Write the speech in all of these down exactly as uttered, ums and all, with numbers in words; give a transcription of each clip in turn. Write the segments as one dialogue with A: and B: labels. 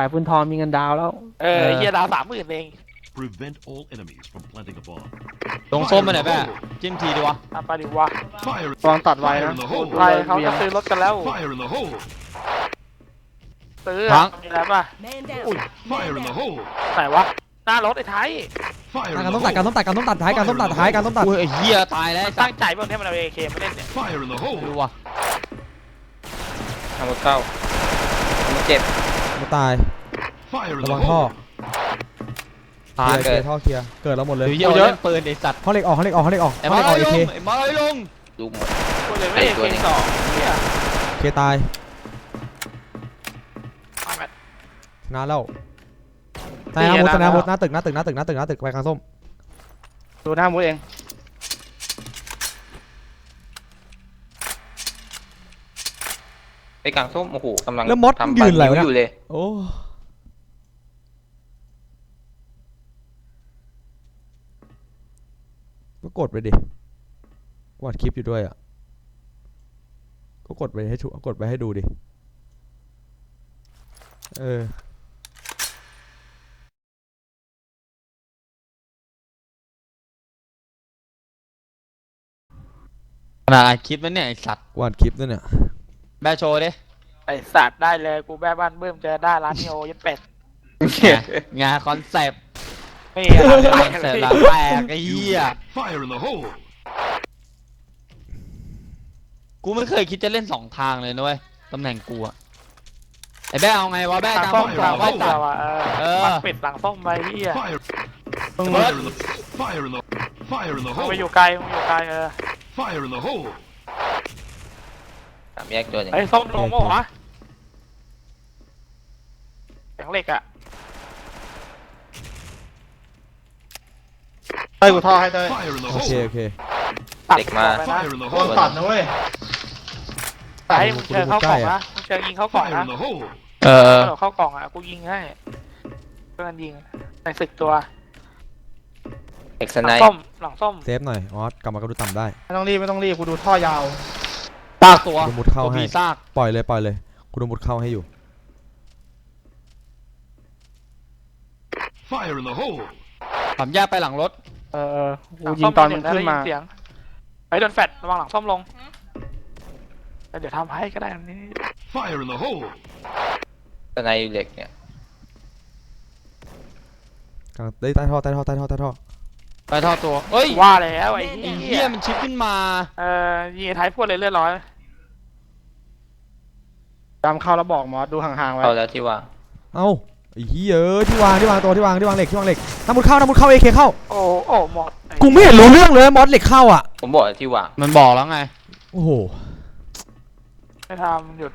A: ายปืนทองมีเงินดาวแล้ว
B: เออเฮียดาวสามหมื่นเอง
C: Prevent all enemies from planting a bomb.
D: ลงส้มไปไหนแม่จิ้มทีดีวะ
B: ทำไปดิวะ
C: Fire!
A: วางตัดไว้นะ
B: ไปเขาจะซื้อรถกันแล้ว
C: Fire in the hole!
B: ซื้อมีอะไรป่ะ
E: Man down.
C: Fire in the hole!
B: ไหนวะหน้ารถไอ้ไทย
C: Fire
F: การ
C: in
F: ต้
C: the
F: มตัดการ
C: hole!
F: ต้มตัดการต้มตัดท้ายการต้มตัดท้ายการต้มตัด
D: อุ้ยไอ้เหี้ยตายแล้ว
B: มันตั้งใจเพื่อนให้มันเอาเอเคมาเล่นเนี่ย
C: Fire in the
D: ไม่
C: hole!
D: รู้ว่ะ
G: ทำหมดเข้าทำหมดเจ็บ
F: มาตาย
C: Fire in
F: ระ
C: the
F: วังท่อ
C: hole!
F: เคลียร์เคลียร์ท่อเคลียร์เกิดแล้วหมดเลย
D: เดี๋ยวเหี้ยเอาเล่นปืนไอ้สัตว์
F: ห้องเหล็กออกห้องเหล็กออกห้องเหล็กออก
D: ไอ้
F: ห้อง
D: มา
F: เหล็กออก
D: ไอ้
F: เอ
D: ล
F: เค
D: งไอ้มาไอ้ลง
G: ดูหมด
B: กูเลยไม่เอเคสองเนี่ย
F: เคตาย
B: เอาแบบ
F: ชนะแล้วตายหน้ามุดตายหน้ามุดหน้าตึกหน้าตึกหน้าตึกหน้าตึกหน้าตึกไปกลางส้ม
A: ดูหน้ามุดเอง
G: ไปกลางส้มโอ้โหกำลัง
F: แล้วมด
G: ทำ
F: ยืนอะไรวะ
G: นิ้วอยู่
F: เนี่ย
G: เลย
F: โอ้ก็กดไปดิกดคลิปอยู่ด้วยอ่ะก็กดไปให้ชูกดไปให้ดูดิเออ
D: ขนาดอัดคลิปแล้วเนี่ยไอ้สัตว์
F: กดคลิปด้วยเนี่ย
D: แม่โชว์ดิ
B: ไอสัตว์ได้เลยกูแบ้บ้านเบิ่มเจอได้ร้านนิโอยัดเป็ด
D: งานคอนเซปต์
B: ไม่อะไร
D: คอนเซปต์หลังแตกไอ้เหี้ย
C: Fire in the hole!
D: กูไม่เคยคิดจะเล่นสองทางเลยนะเว้ยตำแหน่งกูอะไอ้แบ้เอาไงวะแบ้
B: หลั
D: ก
B: ง
D: ลาง
B: ส้
D: ส้
B: ม
D: ม
B: ห
D: ก
B: ลั
D: ลาง ง
B: ส้
D: ไว้
B: ม
D: ตัด
B: เราอ่ะเอ
D: เอ
B: อ
D: อ
B: ปักปิดหลังส้มไปเฮีย
C: Fire!
A: มึง
C: Fire in the Fire in the Fire in the
B: มึงไป
C: hole!
B: อยู่ไกลมึงอยู่ไกลเออ
C: Fire in the hole!
G: สามแยกตัวหนึง
B: ไอ้ส้มลงมั้งวะแข็งเหล็กอ่ะ
A: เต้ยกูท่อให้เต้ย
C: Fire in the
F: โอเค
C: hole!
F: โอเค
B: ตัด
G: เด็กมา
B: ไปนะ
C: Fire in the
A: โดน
C: hole!
A: ตัดนะเว้ย
B: ไอ้มึงเชิญเข้ากล่องนะมึงเชิญยิงเข้ากล่อง
C: Fire
B: นะ
C: in the hole!
D: เออ
B: เราเข้ากล่องอ่ะกูยิงให้เพื่อนยิงในศึกตัว
G: เอ็กซ์
B: ห
G: ไน
B: ลัง
G: ท์
B: ส้มหลังส้ม
F: เซฟหน่อยออสกลับมากระดูต่ำได้
A: ไม่ต้องรีบไม่ต้องรีบกูดูท่อยาว
D: ซากตัว
F: กูมุดเข้า
D: ตัว
F: ให้
D: มีซาก
F: ปล่อยเลยปล่อยเลยกูดูมุดเข้าให้อยู่
C: Fire in the hole!
D: ผมแยกไปหลังรถ
A: เออเออ
B: หลั
A: กู
B: ง
A: ยิ
B: ส้
A: งตอนมึง
B: ได้
A: ขึ้นมา
B: ยิเสียงไอ้โดนแฟดระวังหลังส้มลงเดี๋ยวทำให้ก็ได้อันนี้
C: Fire in the hole!
G: สไนท์อยู่เหล็กเนี่ย
F: กลางได้ใต้ท่อใต้ท่อใต้ท่อใต้ท่อ
D: ไปท่อตัวเอ้ย
B: ว่าแล้วไอ้
D: ไอ้
B: เหี้
D: เหี้
B: ย
D: ยมันชิปขึ้นมา
B: เออยิงไอ้ท้ายพวดเลยเลือดร้อย
A: จำเข้าแล้วบอกมอสดูห่างๆไว้
G: เข้าแล้วที่วาง
F: เอ้าไอ้เหี้ยเอ้ยที่วางที่วางตัวที่วางที่วางเหล็กที่วางเหล็กน้ำมุดเข้าน้ำมุดเข้าเอเคเข้า
B: โอ้โอ้หมด
F: กูไม่เห็นรู้เรื่องเลยมอสเหล็กเข้าอ่ะ
G: ผมบอกที่วาง
D: มันบอกแล้วไง
F: โอ้โห
B: ไม่ทำหยุด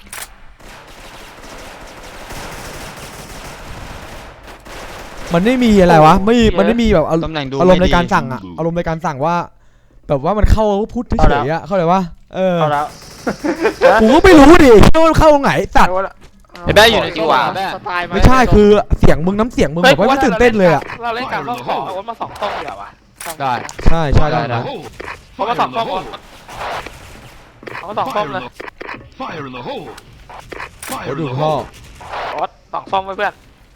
F: มันไม่มีอะไรวะไม่มันไม่มีแบบอาร
D: ตำแหน่งดู
F: อารมณ์ใน
D: ไม่ดี
F: การสั่งอ่ะอารมณ์ในการสั่งว่า แบบว่ามันเข้าพูดเฉยๆอ่ะเข้าใจว่าเออ
A: เอาแล้ว
F: กูก็ไม่รู้ดิว่ามันเข้าตรงไหนสัตว์
D: ไอ้แบ้อยู่ในที่วางแบ้
A: สไตล์
F: ไม่ใช่คือเสียงมึงน้ำเสียงมึงแบบว่าไม่ตื่นเต้นเลยอ่ะ
B: เราเล่นการต้องขอเอาวนมาสองต้มเดียวอ่ะ
D: ได้
F: ใช่ใช่ได้
C: Fire in
F: นะ
C: the hole!
B: เขามา
C: Fire
B: สอง
C: in
B: ต้
C: the
B: ม
C: hole!
B: เขามาสองต้ม
C: Fire
B: เล
C: in
B: ย
C: the Fire in the hole!
F: โอ้
C: Fire in
F: ดู
C: the
F: ท่อ
C: hole!
B: โอ๊ตสองต้มไว้เพื่อน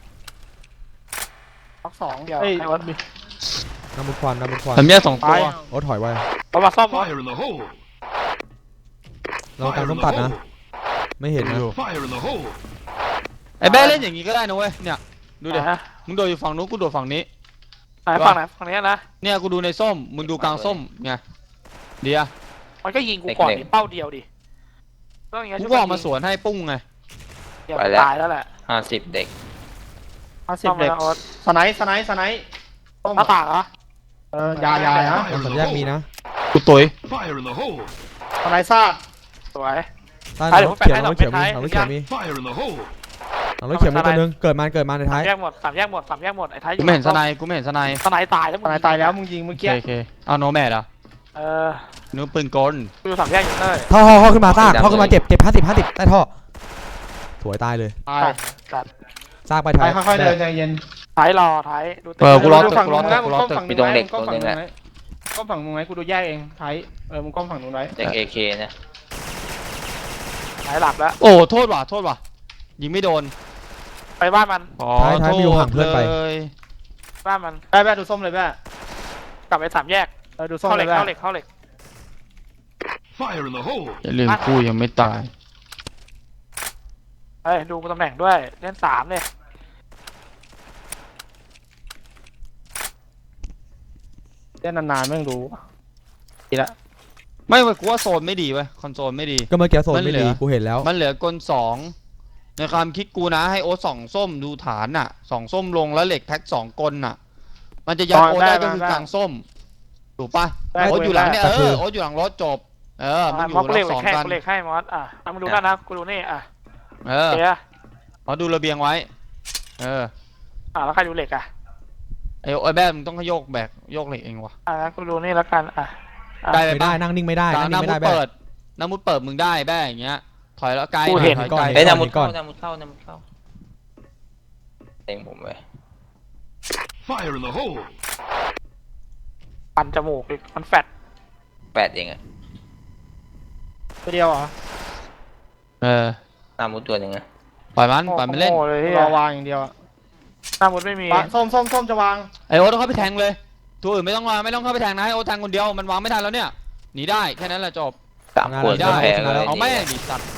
B: สองสองเดียว
A: เฮ้ย
B: ไอ้โอ๊ต
F: น้ำมุดควันน้ำมุดควัน
D: ผมแยกสองตัว
F: โอ้ถอยไว้
B: เขามาซ่อมโอ๊ต
C: Fire in the hole!
F: เราการ
C: Fire
F: ต้
C: in
F: ม
C: the
F: ตัดนะ
C: hole!
F: ไม่เห็นนะ
C: Fire in the hole!
D: ไอ้แบ้เล่นอย่างงี้ก็ได้นะเว้ยเนี่ยดูดิ
B: นะ
D: มึงโดดอยู่ฝั่งนู้นกูโดดฝั่งนี้
B: ไหนฝั่งไหนฝั่งนี้นะ
D: เนี่ยกูดูในส้มมึงดูกลางส้มไงเดียว
B: มันก็ยิงกูก่อนดิเป้าเดียวดิต้องอย่างเงี้ย
D: กู
B: ใช่
D: ก็
B: ไห
D: ออกมาสวนให้ปุ้งไง
B: เดี๋ยวตายแล้วแหละ
G: ห้าสิบเด็ก
A: ห้าสิบเด็ก
B: โอ๊ต
A: สไนท์สไนท์สไนท์ต้ม
B: หน้าต่างเหรอ
A: เออยายานะ
F: น้ำสัญญาณมีนะ
D: กูตุย
C: Fire in the hole!
A: สไนท์ซาก
B: สวย
F: ใต้
B: อ่ะเดี๋ยว
F: รถเขียว
B: ผม
F: รถ
B: แปะ
F: เขียว
B: ให้
F: มี
B: ดอก
F: ร
B: ไม้
F: ถเขียวมี
C: Fire in the hole!
F: รถเขียวมีตัวนึงเกิดมาเกิดมาในท้าย
B: แยกหมดสามแยกหมดสามแยกหมดไอ้ท้าย
D: กูไม่เห็นสไนกูไม่เห็นสไน
B: สไนตายแล้ว
A: สไนท์ตายแล้วมึงยิงเมื่อ
D: โอเค
A: กี้
D: โอเคเอาโนแมดอ่ะ
B: เออ
D: นู้ปืนกล
B: กูอยู่สามแยกอยู่เลย
F: ท่อท่อท่อขึ้นมาซากท่อขึ้นมาเจ็บเจ็บห้าสิบห้าสิบใต้ท่อสวยตายเลย
A: ตาย
B: จัด
F: ซากไป
A: ไป
F: ท้าย
A: ค่อยๆเดินใจเย็น
B: ท้ายรอท้ายดู
D: เออกูรอ
A: ดู
D: ตึก
A: ฝั่ง
D: กูร
A: นู้
D: อน ตึ
A: นะ
D: ก
A: มึ
D: กู
A: ง
D: รอ
A: ก้ม
D: ตึก
A: ฝั่งนู้นไว้มึงก้มฝั่งนู้นไว้ก้มฝั่งนู้นไว้กูดูแยกเองไทยเออมึงก้มฝั่งนู้นไว้
G: เด็กเอเคนะ
B: ท้ายหลับแล้ว
D: โอ้โทษว่ะโทษว่ะยิงไม่โดน
B: ไปบ้านมัน
D: ขอ
F: ท้ายท้าย
D: โท
F: มีอยู่
D: ษ
F: ห่างเพื่อนไป
D: เลย
B: บ้านมัน
A: แป๊ะแป๊ะดูส้มเลยแป๊ะ
B: กลับไปสามแยก
A: เออดูส้ม
B: เข้าเห
A: เล
B: ล็
A: ย
B: ก
A: แป๊ะ
B: เข้าเหล็กเข้าเหล็ก
C: Fire in the hole!
D: อย่าลืมกูยังไม่ตาย
B: เฮ้ยดูตำแหน่งด้วยเล่นสามเลย
A: เล่นนานๆไม่รู้ดีละ
D: ไม่เว้ยกูว่าโซนไม่ดีเว้ยคอนโซลไม่ดี
F: ก็เมื่อกี้โซน
D: มัน
F: ไม่
D: เหลื
F: ดี
D: อ
F: กูเห็นแล้ว
D: มันเหลือกลสองในความคิดกูนะให้โอ๊ตสองส้มดูฐานน่ะสองส้มลงแล้วเหล็กแพ็คสองกลน่ะ มันจะยัดโอ๊ตได้ก็คือกลางส้มถูกปะโอ๊ตอยู่หลังเนี่ยเออโอ๊ตอยู่หลังรถจบเออมันอยู่
B: มอสกู
D: รั
B: เหล็ก
D: บสอง
B: แค่
D: กัน
B: กูเหล็กให้มอสอ่ะเอามาดูด้านนะกูดูนี่อ่ะ
D: เออ
B: เดี๋ยว
D: เอาดูระเบียงไว้เออ
B: อ่ะแล้วใครดูเหล็กอ่ะ
D: ไอ้ไอ้แบ๊มึงต้องโยกแบกโยกเหล็กเองวะ
B: อ่ะงั้นกูดูนี่แล้วกันอ่ะ
D: ได้ไหม
F: ไม่ได้นั่งนิ่งไม่ได้
D: ตา
F: นั่ง
D: ห
F: นิ่
D: น้าง
F: ไม่
D: มุ
F: ได้
D: ด
F: แบ๊
D: เปิดหน้ามุดเปิดมึงได้แบ๊อย่างเงี้ยถอยแล้วไกล
B: กู
D: หน่
B: เห็
D: อย
B: น
D: ถอยไกล
F: ก่อน
G: เฮ้ยนามุด
F: ก่อ
G: เข้าน นามุดเข้านามุดเข้าเต็งผมเว้ย
C: Fire in the hole!
B: ปันจมูกอีกมันแฟด
G: แปดเองอะ
A: ตัวเดียวเหรอ
D: เออ
G: นามุดตัวหนึ่งอะ
D: ปล่อยมันปล่อยมันเล่น
B: โง่เลยที่
A: รอวางอย่างเดียวอะ
B: หน้ามุดไม่มี
A: ปะส้มส้มส้มจะวาง
D: ไอโอ๊ตต้องเข้าไปแทงเลยตัวอื่นไม่ต้องมาไม่ต้องเข้าไปแทงนะให้โอ๊ตแทงคนเดียวมันวางไม่ทันแล้วเนี่ยหนีได้แค่นั้นแหละจบ
G: สามขวด
D: ได้
G: ก็แพ้เลย
D: เอาแม่งดิสัตว์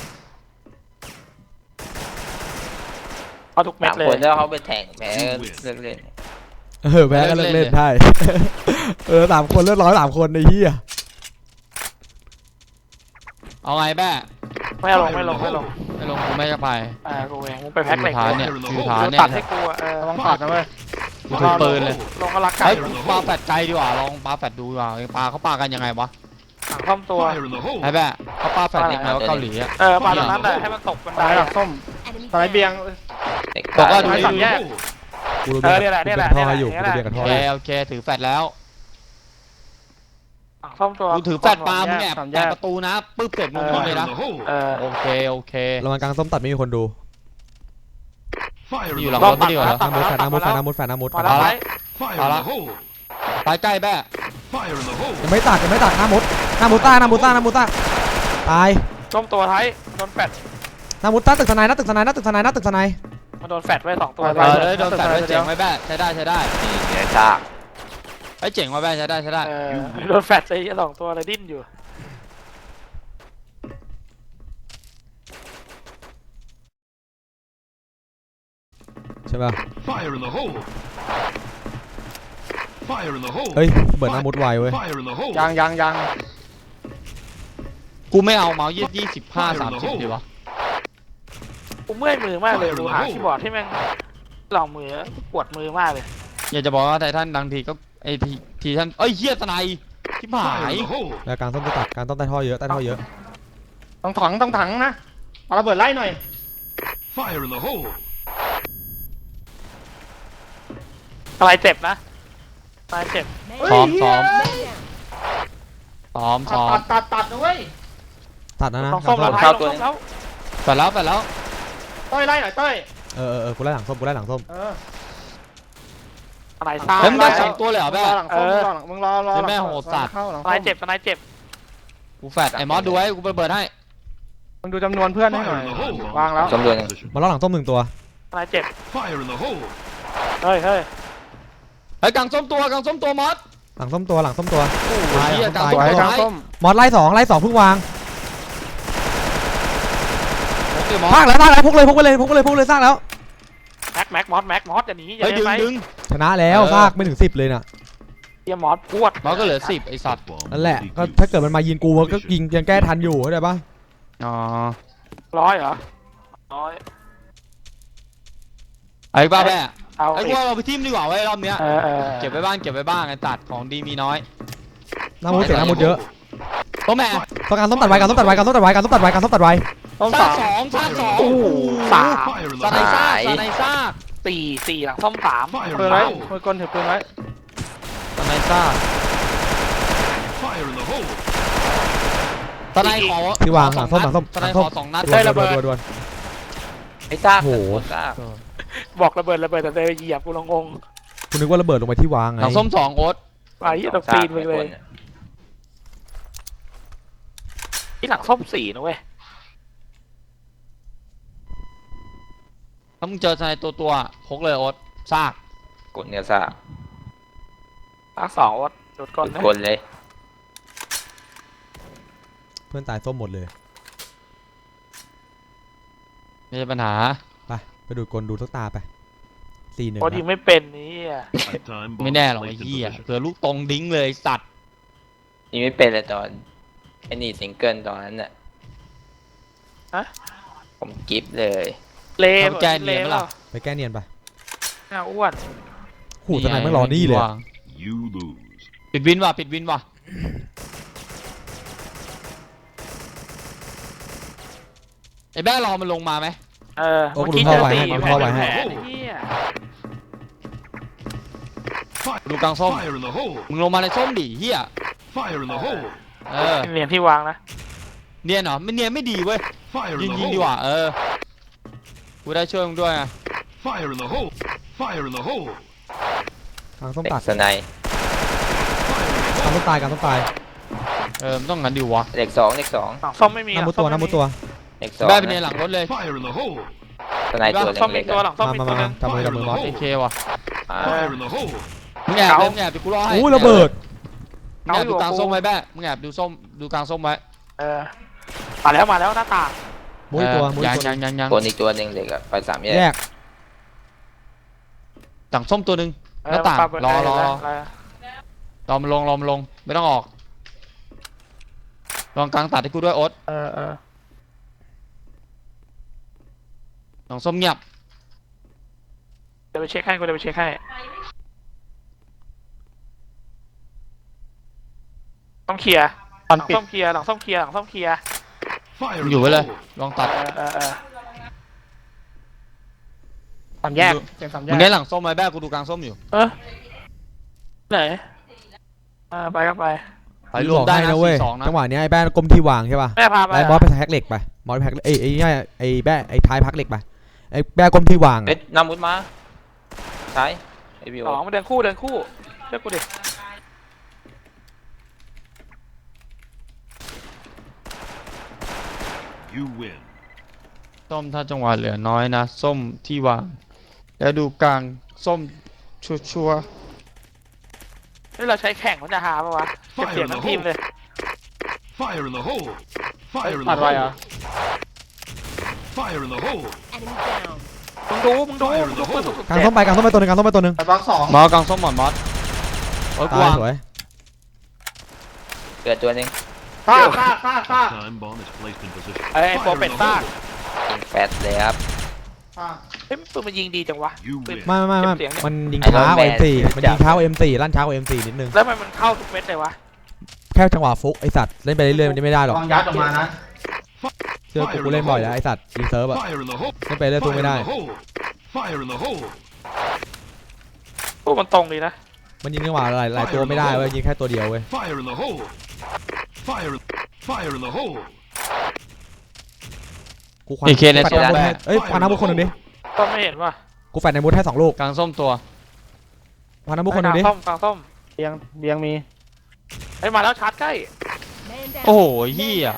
B: เอาทุกเม็ด
G: สาม
B: เล
G: ขวด
B: ย
G: แล้วเขาไปแทงแพ้เลิกเล่น
F: เออแพ้ก็เลิกเล่นได้ เออสามคนเลือดร้อยสามคนไอ้เหี้ย
D: เอาไงแบ้
B: ไม่เอาลงไม่ลงไม่ลง
D: ไม่ลงกูไม่จะไป
B: อ่ากูเองมึงไปแพ็คเหล็ก
D: ฐาน
B: เลย
D: เนี่ย
C: Fire in the
D: คือ
C: hole!
D: ฐาน
B: กู
D: เนี่ย
B: ตัดให้กูอ่ะเออ
A: ระวังตัดนะเว้ย
D: กูถือปืนเลย
B: ลงก็รักไก่
D: ไอ้ยปาแฟดไกลดีกว่าลองปาแฟดดูดีกว่าปาเขาปากันยังไงวะ
B: หลังค่อมตัว
C: Fire in the hole!
D: ไอ้แบ้เขาปาแฟดยังไงวะเกาหลีอะ
B: เออปาตรงนั้นแหละให้มันตกบันได
A: ตายหลั
B: อะ
A: กส้มตายเบียง
G: เด็ก
D: บอกว่าดู
A: ไอ้
D: ดิ
A: สามแยก
F: กูรู้
B: เออ
F: เบี
B: เนี่ย
F: ย
B: แหละ
F: ร์
B: เนี่ยแหละ
F: ท่ออยู่
B: เนี่
F: กู
B: ยแหละ
F: เบียร์กับ
D: โอ
F: ท่อ
D: เค
F: อยู่
D: โอเคถือแฟดแล้ว
B: หลังค่อมตัว
D: กูถือแฟดปามึงแอบ
A: สามแย
D: แอก บประตูนะปึ๊บเสร็จมึงยิง
C: Fire
D: เลย
C: in
D: นะ
C: the hole!
B: เออ
D: โอเคโอเค
F: ระวังกลางส้มตัดไม่มีคนดู
C: Fire
D: อ
C: in
D: ยู่
C: the
D: หลัง
C: hole!
D: รถไม่ดีกว่าเหรอ
F: หน้ามุดแฟนหน้ามุดแฟนหน้ามุดแฟนหน้ามุดแฟนหน้ามุด
B: มาแล้ว
C: Fire
D: เอา
C: in
D: ละ
C: the hole!
D: ไปใกล้แบ้
C: Fire in the hole!
F: ยังไม่ตัดยังไม่ตัดหน้ามุดหน้ามุดต้าหน้ามุดต้าหน้ามุดต้าตาย
B: ล้มตัวท้ายโดนแฟด
F: หน้ามุดต้าตึกทนายหน้าตึกทนายหน้าตึกทนายหน้าตึกทนาย
B: มันโดนแฟดไว้สองตัว
D: เออเลยโดนแฟดไว้เจ๋งไว้แบ้ใช้ได้ใช้ได้
G: นี่เดี๋ยวซาก
D: ไอ้เจ๋งไว้แบ้ใช้ได้ใช้ได้
B: เออโดนแฟดไอ้สองตัวเลยดิ้นอยู่
F: ใช่ป่ะ
C: Fire in the hole! Fire in the hole!
F: เฮ้ยเบิร์ดหน้ามุดไวเว้ย
C: Fire in the hole!
A: ยังยังยัง
D: กูไม่เอาเมาส์ยี่ยี่สิบห้าสามสิบดีวะ
B: กูเมื่อยมือมากเลยกูหาคีย์บอร์ดที่แม่งลองมือปวดมือมากเลย
D: อยากจะบอกว่าไททันบางทีก็ไอทีทีท่านเอ้ยเฮียสไนที่หาย
C: Fire in the hole!
F: แล้วกลางส้มจะตัดกลางต้นใต้ท่อเยอะใต้ท่อเยอะ
A: ต้องถังต้องถังนะเอาระเบิดไล่หน่อย
C: Fire in the hole!
B: อะไรเจ็บนะอะไรเจ็บ
D: ซ้อม
A: เฮ้ย
D: ซ้อมซ้อมซ้อ
A: ตั
D: ม
A: ดตัดตัดนะเว้ย
F: ตัดนะนะ
B: ต้อง
F: ก
B: ส้
F: ลาม ง
B: แล้
F: ส้
B: ว
F: ม
B: ท้ายลงส้มแล้ว
D: ไปแล้วไปแล้ว
A: ต้อยไล่หน่อยต้อย
F: เออเออเออกูไล่หลังส้มกูไล่หลังส้ม
A: เออ
B: อะไรซ่า
D: เฮ้ยมึงได้
A: ไป
D: สองตัวเลยเหรอ
A: มึง
D: แม่
A: รอหลังส้มมึงรอหลังมึงรอรอหลัง
D: แม่โหดสัตว์
A: เข้าหลัง
B: อะไร
A: ส้ม
B: เจ็บอะไรเจ็บ
D: กูแฟดไอ้มอสดูไว้กูเปิดให้
A: มึงดูจำนวนเพื่อนให้หน่อย วางแล้ว
G: จำนวนหนึ่ง
F: มาล้อหลังส้มหนึ่งตัว
B: อะไรเจ็บ
C: Fire in the hole!
B: เฮ้ยเฮ้ย
D: ไอ้ยกลางส้มตัวกลางส้มตัวมอส
F: หลังส้มตัวหลังส้มตัว
D: โอ้โหเฮียกลาง
F: ตาย
D: ส้ม
A: ไว้
D: ตัว
A: กลาง
D: ท้าย
A: ส้ม
F: มอสไล่สองไล่สองเพิ่งวาง
D: โอเคมอ
F: พา
D: ส
F: กแล้วพากแล้วพกเลยพกไปเลยพกไปเลยพกเลยสร้างแล้ว
B: แม็กแม็กมอสแม็กมอสอย่าหนีอย่า
D: เฮ้ย
B: หนี
D: ดึง
B: ไป
D: ดึง
F: ชนะแล้ว
D: เออ
F: ซากไม่ถึงสิบเลยน่ะ
B: เฮียมอสปวด
D: มอสก็เหลือสิบไอ้สัตว์
F: นั่นแหละก็ถ้าเกิดมันมายิงกูมันก็ยิงยังแก้ทันอยู่เข้าใจปะ
D: อ๋อ
B: ร้อยเหรอร้อย
D: ไอ้บ้าแม่
B: เอา
D: ไอ้
B: อี
D: กู
B: ก
D: ว่าเราไปทีมดีกว่าไว้ยรอบเนี้ย
B: เออเออ
D: เก็บไว้บ้างเก็บไว้บ้างไอ้ตัดของดีมีน้อย
F: หน้ามุดเสียหน้ามุดเยอะ
D: ตัวแม่
F: ต้องการส้มตัดไว้การส้มตัดไว้การส้มตัดไว้การส้มตัดไว้การส้มตัดไว้
A: ต้ม
D: ซา
A: สาก ม
D: สองซากสอง
B: โอ้โหสาม
C: Fire in
D: ส
C: the
D: ไน
C: hole!
D: ซ่ากสไนซ่าก
B: สี่สี่หลังส้มสาม
C: Fire in
A: ปืน
C: the
A: ไว้
C: hole!
A: มือกลถือปืนไว้
D: สไนซ่าก
C: Fire in the hole!
D: สไนขอ
F: ที่วางหลังส้มหลังส้ม
D: สไนขอสองนัด
F: ดวนดวนดวนดวน
G: ไอ้ซาก
F: โอ้โห
G: ซาก
B: บอกระเบิดระเบิดแต่เดินเหยียบกูลงงง
F: คุณนึกว่าระเบิดลงไปที่วางไง
D: หลังส้มสองโอ๊ต
B: ไอ้เหี้ยต้องปีนไปเลยที่หลังส้มสี่นะเว้ย
D: ถ้ามึงเจอสไนตัวตัวๆพกเลยโอ๊ตซาก
G: กดเนื้อซ่า
B: อักสองโอ๊ตโดดก่อนนะ
G: กดเลย
F: เพื่อนตายส้มหมดเลย
D: ไม่ใช่ปัญหา
F: ไปไปดูดกลดูสักตาไปสี่หนึ่ง
B: โอ๊ตยิงไม่เป็นนี่อ่ะ
C: Nighttime
D: ไม่
C: bomb
D: แน่หรอกไอ้
C: placed in
D: เหี้ย
C: position.
D: เผื่อลูกตรงดิ้งเลยไอ้สัตว์
G: นี่ไม่เป็นเลยตอนไอ้นี่ซิงเกิลตอนนั้นน่ะ
B: ฮะ
G: ผมกิฟต์เลย
B: เล่
D: ทำแกน
B: เล่
D: เนียนไหมล่ะ
F: ไปแก้เนียนไป
B: หน้าอ้วน
F: หูทนายไม่รอนี่เลยอะ
C: You lose.
D: ปิดวินว่ะปิดวินว่ะไอ้แบ้รอมันลงมาไหม
B: เออ
F: โอ้
B: เมื่อ
F: กู
B: กี้
F: ดู
B: เจ
F: เข้า
B: อ
F: ไว้
B: ตี
F: ให้กูเข้าไว้ให้
B: แผลไอ้เหี้ย
C: Fire,
D: ดูกลางส้ม
C: fire in the hole.
D: มึงลงมาในส้มดิเฮีย
C: Fire in the hole.
D: เออ
B: เหรียญที่วางนะ
D: เนียนเหรอไม่เนียนไม่ดีเว้ย
C: Fire
D: ยิ
C: in
D: ง
C: the
D: ยิงดี
C: hole.
D: กว่าเออกูได้ช่วยมึงด้วยไง
C: Fire in the hole. Fire in the hole.
F: กลางส้ม
G: เด็ก
F: ตัด
G: สไนด์
F: กลางส้มตายกลางส้มตาย
D: เออมันต้องงั้นดิวะ
G: เด็กสองเด็กสอง
B: หลังส้มไม่มี
F: หน้ามุดตัวห
B: หลั
F: น้าง มุดตัว
G: เด็กสอง
D: แบ้ไปเนียนหลังรถเลย
C: Fire in the hole.
G: สไนด์ตัว
B: หลังส้มมี
G: เล็กๆ
B: ตัวห
G: อะ
B: ลังส้ม
F: มา
B: มี
F: มา
B: ตัว
F: มา
B: นึง
F: จับมือจับมือมอส
D: โอเคว่ะ
G: อ่า
C: Fire in the hole.
D: มึงแอบ
B: เก๋า
D: เลยมึงแอบไปกูรอให้
F: อู้ระเบิด
D: มึงแอบดูกลางส้มไว้แบ้มึงแอบดูส้มดูกลางส้มไว้
B: เออมาแล้วมาแล้วหน้าต่าง
F: มุ้ยตัว
D: เออ
F: มุ้ย
D: ยัง
F: ตัว
D: ยังยังยัง
G: คนอีกตัวหนึ่งเด็กอะไปสามแย
F: แย
G: ก
F: ก
D: ต่างส้มตัวหนึ่ง
B: เอ
D: หน้าต่าง
B: ปเปิด
D: รอรอ
B: เ
D: รอรอมันลงรอมันลงไม่ต้องออกลองกลางตัดให้กูด้วยโอ๊ต
B: เออเออ
D: ลองส้มเงียบ
B: เดี๋ยวไปเช็คให้กูเดี๋ยวไปเช็คให้ต้องเคลียร์
A: ตอน
B: หลัง
A: ปิด
B: ส้มเคลียร์หลังส้มเคลียร์หลังส้มเคลียร์
C: Fire
D: มึ
C: in
D: งอยู่
C: the
D: ไว้เลย
C: hole.
D: ลองตัด
B: เออเออเออ
A: สามแยกเสียงสามแย
D: มึ
A: ก
D: งได้หลังส้มไหมแบ้กูดูกลางส้มอยู่
B: เออไหนอ่าไปก็ไป
D: ไปรวมได้นะ
F: เว้ย
D: สี่สองนะ
F: จังหวะเนี้ยไอ้แบ้ก้มที่วางใช่ป่ะ
B: แม่พาไป
F: ไอ้มอสไปแพ็กเหล็กไปมอสไปแพ็กเอ้ยไอ้เนี่ยไอ้แบ้ไอ้ท้ายพักเหล็กไปไอ้แบ้ก้มที่วาง
G: เฮ้ยน้ำมุดมาใช่ไอวิว
B: สองมาเดินคู่เดินคู่เชื่อกูดิ
C: You win.
D: ส้มถ้าจังหวะเหลือน้อยนะส้มที่วางแล้วดูกลางส้มชัวชัวร์
B: นี่เราใช้แข่งมันจะหาปะวะเก็บเสียงทั้งทีมเลย
C: Fire in the hole. Fire in
A: ตั
C: the
A: ดไว้เหรอ
C: hole. Fire in the hole.
B: มึงดูมึงดูมึงดูปืนสุด
F: กลางส้มไปกลางส้มไปตัวหนึงกลางส้มไปตัวหนึง
A: แต่บล็อกสอง
D: ๆมากลางส้มหมอนมอสโอ๊ตกูาง
F: ตายวสวย
G: เกิดตัวหนึ่ง
A: ฆ่าฆ่าฆ่าฆ่า
C: Time bomb is placed in position.
B: ไอ้โปร
C: Fire
B: เป็ด
C: in the
B: ซาก
C: hole.
G: ยิงแฟตเลยครับ
A: ฆ่า
B: เฮ้ยปืนมันยิงดีจังวะ
C: You
B: ปืน
C: win.
F: ไม่ไม่ไม่
B: เก็บเสียงเนี่ย
F: มันยิง
G: ไอ้
F: ช้ากว่า
G: Iron Man
F: เอ็ม สี่ มันยิงช้ากว่า เอ็ม สี่ ลั่นช้ากว่า เอ็ม สี่ นิดนึง
B: แล้วมันมันเข้าทุกเม็ดเลยวะ
F: แค่จังหวะฟุกไอสัตว์เล่นไปเรื่อยๆมันจะไม่ได้หรอก
A: ลองยัดออกมานะ
F: เชื่อกูกูเล่นบ่อยแล้วไอสัตว์ยิงเซิร์ฟอะ
C: Fire in the hole.
F: เล่นไปเรื่อยสู้
C: Fire
F: ไม่
C: in
F: ได้
C: the hole. Fire in the hole.
B: ตู้มันตรงดีนะ
F: มันยิงจังหวะหลายหลายตัวไม่ได้เว้ยยิงแค่ตัวเดียวเว้ย
C: Fire in the hole. Fire. Fire in the hole.
F: กูควัน
D: อีกเคสใน
F: แฟด
D: ส้ม
F: น้ำมุด
D: แบ้
F: ให้เอ้ยควันน้ำมุดคนหนึ่งดิ
B: ก็ไม่เห็นว่ะ
F: กูแฟดในมุดให้สองลูก
D: กลางส้มตัว
F: ควันน้ำมุดคนหนึ่งดิ
B: กลางส้มกลางส้ม
A: เบียงเบียงมี
B: ไอ้ยมาแล้วชาร์จใกล้
D: โอ้โหเฮีย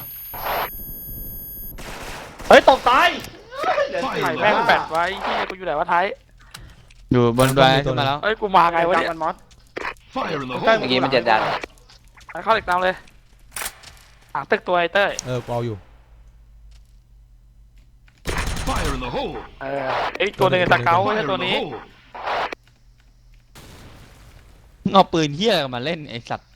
A: เฮ้ยตกตาย
B: ไข่แม่งแปดไว้ที่กูอยู่ไหนวะไทย
D: อยู่บนแบรขึ้นมาแล้ว
B: เอ้ยกูมาไงวะเนี่ย
A: มันมอส
C: Fire in the
A: ใกล้
C: hole.
G: เมื่อกี้มันจะดัน
B: ไปเข้าเหล็กตามเลยหางตึกตัวไอ้เต้ย
F: เออกูเอาอยู่
C: Fire in the hole.
B: เออไอ้ตัวหนึงไอ้สเกลไม่
C: Fire
B: ใช่
C: in
B: ตัว
C: the
B: นี้
C: hole.
D: เอาปืนเฮียมาเล่นไอสัตว์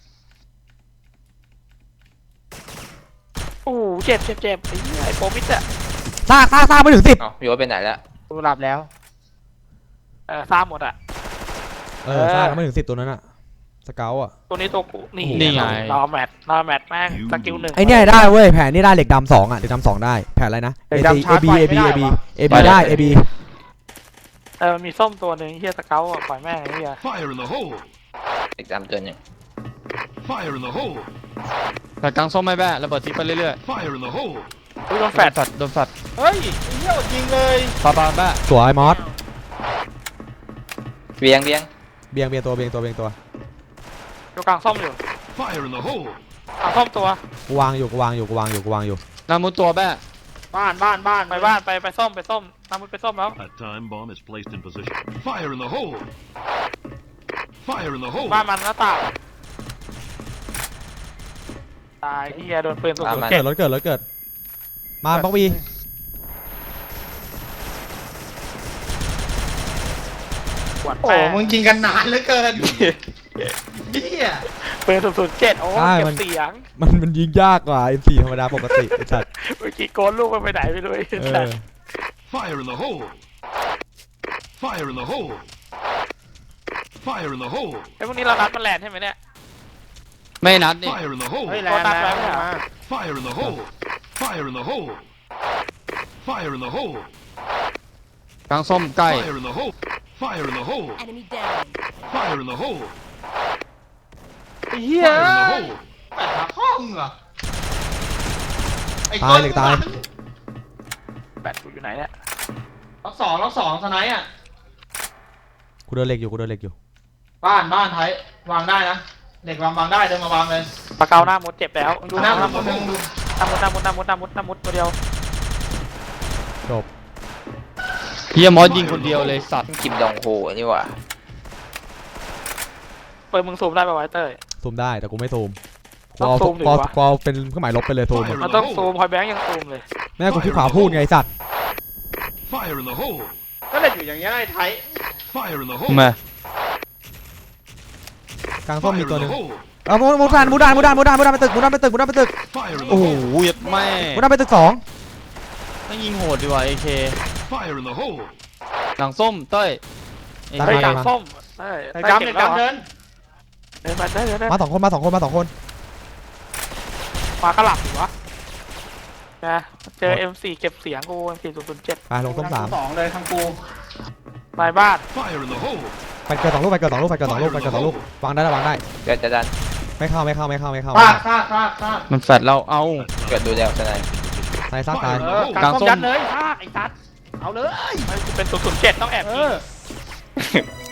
B: โอ้โหเจ็บเจ็บเจ็บไอ้เหี้ยไอ้โปรมิดอะ
F: ซากซากซากไม่ถึงสิบ
G: เอ้าวิวไปไหนแล้ว
A: กูหลับแล้ว
B: เออซ่าหมดอะ
F: เออซากไม่ถึงสิบตัวนั้นอะสเกลอะ
B: ตัวนี้ตัวกูนี่
D: นี่ไง
B: รอแมทรอแมทแม่งสกิลหนึ่ง
F: ไอเนี่ยได้เว้ยแผนนี่ได้เหล็กดำสองอะเหล็กดำสองได้แผนอะไรนะ
A: เหล็
F: A
A: กดำ
F: C
A: ชา
F: A
A: ร์จ
F: B
A: ไฟ
F: A
A: ไม่
F: B
A: ได้
F: A B
A: วะ
F: A B ได้ A B
B: เออมีส้มตัวหนึ่งเฮียสเกลอะปล่อยแม่งไอ้เหี้ย
C: Fire in the hole.
G: เด็กดำตัวหนึ่ง
C: Fire in the hole.
D: แต่กลางส้มไม่แบ้ระเบิดทิ้งไปเรื่อย
C: Fire in the hole.
B: อุ้ยโดน
D: ๆ
B: แฟด
D: โดนโดนฝัด
A: เฮ้ยไอ้เหี้ยอดยิงเลย
D: ปาปาแบ้
F: สวยมอส
G: เบียงเบียง
F: เบียงเบียงตัวเบียงตัวเบียงตัว
B: อยู่กลางส้มอยู่
C: Fire in the hole.
B: กลางส้มตัว
F: กูวางอยู่กูวางอยู่กูวางอยู่กูวางอยู่
D: นามุดตัวแบ้
A: บ้านบ้านบ้าน
B: ไปบ้านไปไปส้มไปส้มน้ำมันไปส้มแล้ว
C: A time bomb is placed in position. Fire in the hole! Fire in the hole!
B: บ้านมันหน้าต่างตายเฮียโดนปืนสุด
G: ตาม
B: ๆ
G: มา
B: เจ็
F: เกิ
B: บ
F: ดรถเกิดรถเกิด มาบล็อกบี
B: ปวด
A: โอ้
B: แป้
A: มึงยิงกันนานเหลือเกินเฮีย
B: ปืนสุดๆเจ็ดโอ้เก็บเสียง
F: มันมันยิงยากกว่า เอ็ม โฟร์ ธรรมดาปกติไอ้สัตว์
B: เมื่อกี้โกนลูกมันไปไหนไม่รู้ไอ้
F: เอ
B: สั
F: อ
B: ส
C: Fire in the hole! Fire in the hole! Fire in the hole!
B: ไอ้พวกนี้เรานัดมันแลนด์ใช่ไหมเนี่ย
D: ไม่นัดนี่
C: Fire in the hole!
A: เฮ้ยแลนด์แลนด์มา
C: Fire in the hole! Fire in the hole! Fire in the hole!
D: กลางส้มใกล้
C: Fire in the hole! Fire in the hole!
E: Enemy down.
C: Fire in the hole!
A: เฮีย
C: Fire in the hole!
A: แปดหาห้องเหรอไอ้
F: ตายเหล็กตาย
B: แบตกูอยู่ไหนเนี่ย
A: ล็อกสองล็อกสองสไนด์อ่ะ
F: กูเดินเหล็กอยู่กูเดินเหล็กอยู่
A: บ้านบ้านไทยวางได้นะเด็กวางวางได้เดินมาวางเลย
B: ปลาเกาหน้ามุดเจ็บแล้ว
A: ดูหน้า
B: หน้า
A: มุ
B: มุ
A: ด
B: ด
A: นึงดู
B: หน้ามุดหน้ามุดหน้ามุดหน้ามุดหน้ามุดตัวเดียว
F: จบ
D: เฮียมอสยิงคนเดียวเลยสัตว์
G: กิมดองโฮนี่หว่า
B: เปิดมึงซูมได้ป่าวไวะไอ้เต้ย
F: ซูมได้แต่กูไม่ซูมกู
B: ต้อง
F: เอา
B: ซูมดิ
F: กูเอา
B: วะ
F: กูเอาเป็นเครื่องหมายลบไปเลยซูมอะ
B: มันต้องซูมพอยแบงค์ยังซูมเลย
F: แม่กูคิดขวาพูดไงไอ้สัตว์
C: Fire in the hole!
A: ก็เล่นอยู่อย่างเงี้ยไอ้ไทย
C: Fire in the
D: มา
C: hole!
F: กลางส้ม
C: Fire
F: มี
C: in
F: ตัวห
C: the
F: นึ่ง
C: hole!
F: เอามุดมุดดานมุดดานมุดดานมุดดานมุดดานไปตึกมุดดานไปตึกมุดดานไปตึก
C: Fire in the
D: โอ้โห
C: hole!
D: ยัดแม่
F: มุดดานไปตึกสอง
D: ไม่ยิงโหดดีกว่าเอเค
C: Fire in the hole!
D: หลังส้มเต้ยเอ
B: เฮ้ย
D: เค
B: กลางส้มเต้ย
A: ไอ้
B: เต้ย
A: ดำ
B: เก็
A: เด็
B: บ
A: ก
B: แล้ว
A: ดำเดิน
B: เดินมาเต้ยเดินเดิน
F: มาสองคนมาสองคนมาสองคน
B: มากระหลับอยู่วะนะเจอ เอ็ม โฟร์ เก็บเสียงกู เอ็ม โฟร์ ศูนย์ ศูนย์ เจ็ด
F: ไปลงส้มสาม
A: สองเลยทางกู
B: นายบ้าน
C: Fire in the hole!
F: ไปเกิดสองลูกไปเกิดสองลูกไปเกิดสองลูกไปเกิดสองลูกวางได้แล้ววางได้
G: เกิดจะดัน
F: ไม่เข้าไม่เข้าไม่เข้าไม่เข้า
A: ฟาดฟาดฟาดฟาด
D: มันแฟดเราเอา
G: เกิดดูแล้วใช่ไหม
F: ตายซากตาย
A: เออกลางส้มยัดเลยฟาดไอ้สัตว์เอาเลย
B: ไม่กูเป็น ศูนย์ ศูนย์ เจ็ด ต้องแอบ
A: เอ
B: ยิง
A: อ